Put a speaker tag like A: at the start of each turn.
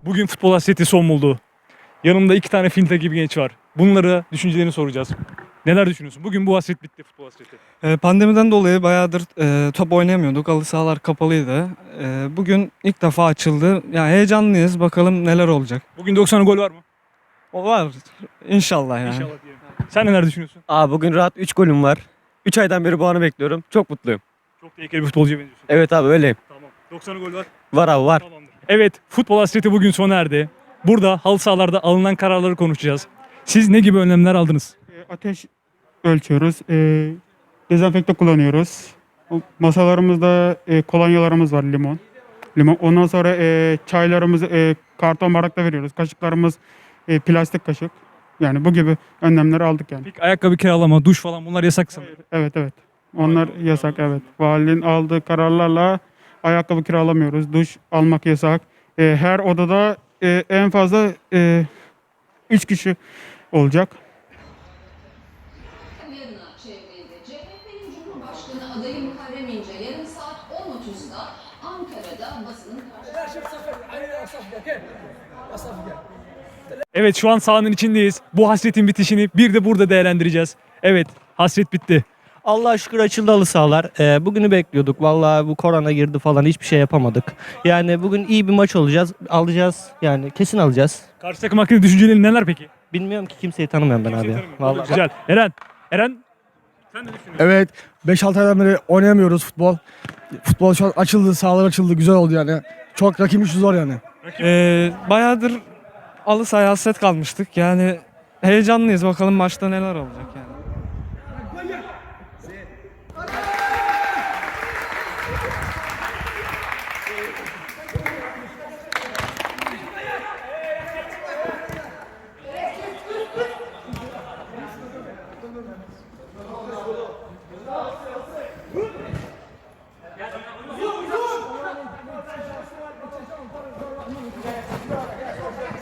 A: Bugün futbol hasreti son buldu. Yanımda iki tane fil gibi genç var. Bunlara düşüncelerini soracağız. Neler düşünüyorsun? Bugün bu hasret bitti, futbol hasreti.
B: Pandemiden dolayı bayağıdır top oynayamıyorduk. Halı sahalar kapalıydı. Bugün ilk defa açıldı. Ya heyecanlıyız. Bakalım neler olacak.
A: Bugün 90 gol var mı?
B: O var. İnşallah yani.
A: İnşallah diyelim. Sen neler düşünüyorsun?
C: Abi bugün rahat 3 golüm var. 3 aydan beri bu anı bekliyorum. Çok mutluyum.
A: Çok tehlikeli bir futbolcuya benziyorsun.
C: Evet abi öyleyim.
A: Tamam. 90 gol var.
C: Var abi var.
A: Tamamdır. Evet, futbol hasreti bugün sona erdi. Burada halı sahalarda alınan kararları konuşacağız. Siz ne gibi önlemler aldınız?
D: Ateş ölçüyoruz. Dezenfekte kullanıyoruz. Masalarımızda kolonyalarımız var, limon. Ondan sonra çaylarımızı karton bardakta veriyoruz. Kaşıklarımız plastik kaşık. Yani bu gibi önlemleri aldık yani.
A: Peki ayakkabı kiralama, duş falan bunlar yasak sanırım.
D: Evet evet. Onlar yasak evet. Valinin aldığı kararlarla ayakkabı kiralamıyoruz. Duş almak yasak. Her odada en fazla 3 kişi olacak.
E: Yarına çevrede CHP'nin Cumhurbaşkanı adayı Muharrem İnce yarın saat 10.30'da Ankara'da basının
A: Evet, şu an sahanın içindeyiz. Bu hasretin bitişini bir de burada değerlendireceğiz. Evet, hasret bitti.
F: Allah'a şükür açıldı halı sahalar. Bugünü bekliyorduk. Vallahi bu korona girdi falan hiçbir şey yapamadık. Yani bugün iyi bir maç alacağız. Yani kesin alacağız.
A: Karşı takım hakkında düşüncelerin neler peki?
F: Bilmiyorum ki kimseyi tanımıyorum ben abi. Vallahi.
A: Güzel. Eren sen ne düşünüyorsun?
G: Evet, 5-6 aydan beri oynayamıyoruz futbol. Futbol şu an açıldı, sahalar açıldı, güzel oldu yani. Çok rakibimiz zor yani.
B: Bayağıdır halı sahaya hasret kalmıştık. Yani heyecanlıyız. Bakalım maçta neler olacak yani.